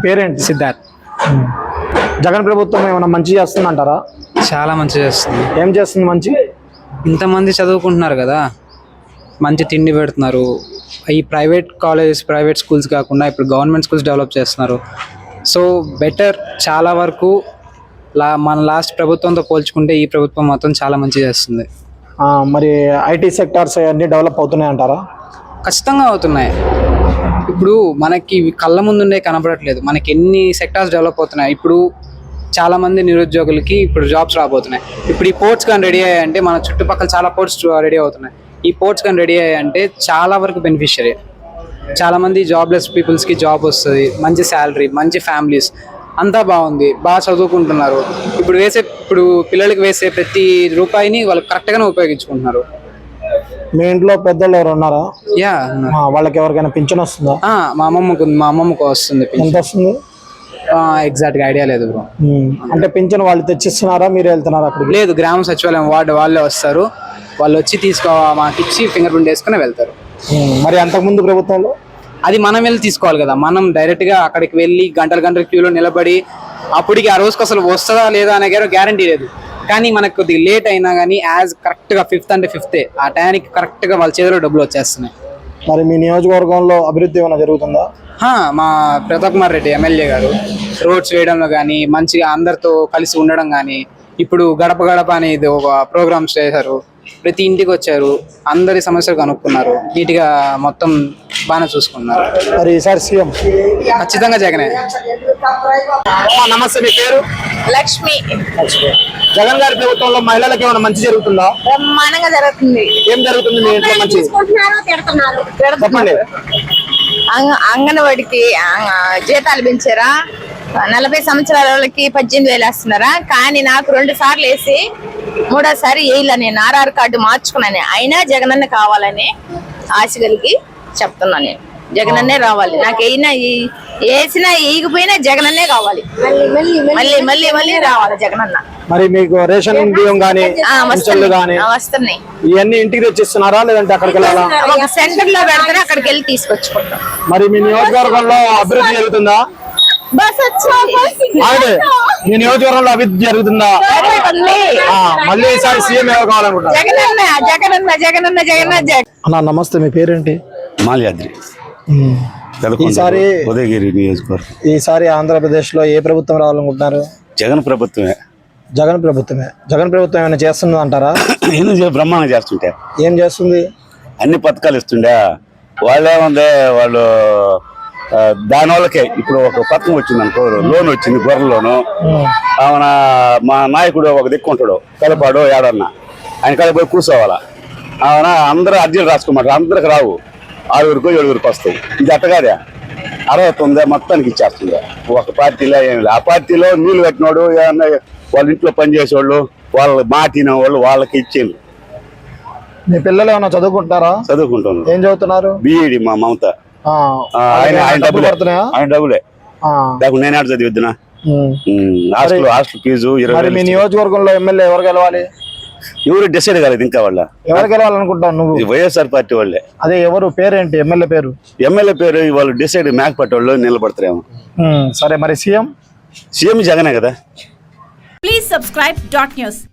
పేరేంటి? సిద్ధార్థ్. జగన్ ప్రభుత్వం ఏమైనా మంచి చేస్తుంది అంటారా? చాలా మంచి చేస్తుంది. ఏం చేస్తుంది మంచి? ఇంతమంది చదువుకుంటున్నారు కదా, మంచి తిండి పెడుతున్నారు. ఈ ప్రైవేట్ కాలేజెస్, ప్రైవేట్ స్కూల్స్ కాకుండా ఇప్పుడు గవర్నమెంట్ స్కూల్స్ డెవలప్ చేస్తున్నారు. సో బెటర్, చాలా వరకు మన లాస్ట్ ప్రభుత్వంతో పోల్చుకుంటే ఈ ప్రభుత్వం మాత్రం చాలా మంచి చేస్తుంది. మరి ఐటీ సెక్టార్స్ అన్నీ డెవలప్ అవుతున్నాయి అంటారా? ఖచ్చితంగా అవుతున్నాయి. ఇప్పుడు మనకి కళ్ళ ముందుండే కనబడట్లేదు, మనకి ఎన్ని సెక్టార్స్ డెవలప్ అవుతున్నాయి. ఇప్పుడు చాలా మంది నిరుద్యోగులకి ఇప్పుడు జాబ్స్ రాబోతున్నాయి. ఇప్పుడు ఈ పోర్ట్స్ కానీ రెడీ అయ్యాయంటే మన చుట్టుపక్కల చాలా పోర్ట్స్ రెడీ అవుతున్నాయి. ఈ పోర్ట్స్ కానీ రెడీ అయ్యాయంటే చాలా వరకు బెనిఫిషియరీ. చాలా మంది జాబ్లెస్ పీపుల్స్కి జాబ్ వస్తుంది, మంచి శాలరీ, మంచి ఫ్యామిలీస్, అంతా బాగుంది, బాగా చదువుకుంటున్నారు. ఇప్పుడు పిల్లలకి వేసే ప్రతి రూపాయిని వాళ్ళు కరెక్ట్గానే ఉపయోగించుకుంటున్నారు. మీ ఇంట్లో పెద్దలు ఎవరు ఉన్నారా? యా, వాళ్ళకి ఎవరికైనా పింఛన్ వస్తుందా? మా అమ్మమ్మకు వస్తుంది. ఎంత వస్తుంది? ఎగ్జాక్ట్ గా ఐడియా లేదు బ్రో. అంటే పింఛన్ వాళ్ళు తెచ్చిస్తున్నారా, మీరు వెళ్తున్నారా అక్కడికి? లేదు, గ్రామ సచివాలయం వార్డు వాళ్ళే వస్తారు. వాళ్ళు వచ్చి మాకు ఇచ్చి ఫింగర్ ప్రింట్ వేసుకుని వెళ్తారు. మరి అంతకుముందు ప్రభుత్వంలో అది మనం వెళ్ళి తీసుకోవాలి కదా. మనం డైరెక్ట్ గా అక్కడికి వెళ్ళి గంటల క్యూలో నిలబడి అప్పటికి ఆ రోజుకి అసలు వస్తుందా లేదా అనే గ్యారంటీ లేదు. కానీ మనకు కొద్దిగా లేట్ అయినా కానీ కరెక్ట్ గా 5th అంటే 5th ఆ టైంకి కరెక్ట్ గా వాళ్ళ చేతిలో డబ్బులు వచ్చేస్తున్నాయి. మరి మీ నియోజకవర్గంలో అభివృద్ధి ఏమైనా జరుగుతుందా? మా ప్రతాప్ కుమార్ రెడ్డి ఎమ్మెల్యే గారు రోడ్స్ వేయడంలో కానీ, మంచిగా అందరితో కలిసి ఉండడం కానీ, ఇప్పుడు గడప గడప అనేది ఒక ప్రోగ్రామ్స్ చేశారు. ప్రతి ఇంటికి వచ్చారు, అందరి సమస్యలు కనుక్కున్నారు, నీట్గా మొత్తం బాగానే చూసుకున్నారు. మరి ఈసారి సీఎం ఖచ్చితంగా జగనే. నమస్తే, మీ పేరు? లక్ష్మి. జగన్ గారి ప్రభుత్వంలో మహిళలకు ఏమైనా మంచి జరుగుతుందా? బ్రహ్మాండంగా జరుగుతుంది. ఏం జరుగుతుంది మీ ఇంట్లో మంచి? చెప్పండి. అంగన్వాడికి జీతాలు పెంచారా? 40 సంవత్సరాల వాళ్ళకి 18,000 వేస్తున్నారా? కానీ నాకు 2 సార్లు వేసి 3వ సారి వేయాల. నేను ఆర్ఆర్ కార్డు మార్చుకున్నాను. అయినా జగనన్న కావాలని ఆశ కలిగి చెప్తున్నాను. నేను జగనన్నే రావాలి. నాకు వేసినా వేయకపోయినా జగనన్నే కావాలి. మళ్ళీ మళ్ళీ మళ్ళీ రావాలి జగనన్న. మరి మీకు రేషన్ బియ్యం గానీ వస్తున్నాయి. ఇవన్నీ ఇంటికి తెచ్చిస్తున్నారా, లేదంటే అక్కడికి వెళ్ళాలా? ఒక సెంటర్ లో పెడతారా, అక్కడికి వెళ్ళి తీసుకొచ్చుకుంటాం. మరి మీ నియోజకవర్గంలో అభివృద్ధి జరుగుతుందా? మీ నియోజకవర్గంలో అభివృద్ధి జరుగుతుందా? మళ్ళీ ఈసారి సీఎం ఎవరు కావాలనుకుంటున్నారు? అన్న నమస్తే, మీ పేరేంటి? మాల్యాద్రి. ఉదయగిరి నియోజకవర్గం. ఈసారి ఆంధ్రప్రదేశ్ లో ఏ ప్రభుత్వం రావాలనుకుంటున్నారు? జగన్ ప్రభుత్వమే. జగన్ ప్రభుత్వం ఏమైనా చేస్తుంది అంటారా? బ్రహ్మాండంగా చేస్తుంటే. ఏం చేస్తుంది? అన్ని పథకాలు ఇస్తుండే. వాళ్ళేముంది, వాళ్ళు దాని వాళ్ళకే ఇప్పుడు ఒక పథకం వచ్చింది అనుకో, లోన్ వచ్చింది, గొర్రెల లోను. ఆమె మా నాయకుడు ఒక దిక్కుంటాడు, కలపాడు ఏడన్నా, ఆయన కలప పోయి కూర్చోవాలా. ఆమె అందరూ అర్జీలు రాసుకోమంటారు, అందరికి రావు, 6గురికో 7గురికి వస్తాయి. ఇది అట్టగాదే 69 మొత్తానికి ఇచ్చేస్తుంది. ఒక పార్టీలో ఏమి లేదు. ఆ పార్టీలో నీళ్లు కట్టినోడు, ఏమన్నా వాళ్ళ ఇంట్లో పనిచేసేవాళ్ళు, వాళ్ళ మాటిన వాళ్ళు వాళ్ళకి ఇచ్చేది. మీ పిల్లలు ఏమన్నా చదువుకుంటారా? చదువుకుంటున్నారు. ఏం చదువుతున్నారు? బీఈడి. మా మమత ఆయన డబ్బులే. లేకపోతే నేను ఆడ చదివిద్దునా? Hostel fee 20,000. మీ నియోజకవర్గంలో ఎమ్మెల్యే ఎవరు గెలవాలి? ఎవరు డిసైడ్ కాలేదు ఇంకా. వాళ్ళ ఎవరు గెలవాలనుకుంటావు నువ్వు? వైఎస్ఆర్ పార్టీ వాళ్ళే. అదే ఎవరు? పేరేంటి ఎమ్మెల్యే పేరు? ఎమ్మెల్యే పేరు వాళ్ళు డిసైడ్ మేకపట్టి వాళ్ళు నిలబడతారేమో. సరే, మరి సీఎం జగనే కదా. Please subscribe .news.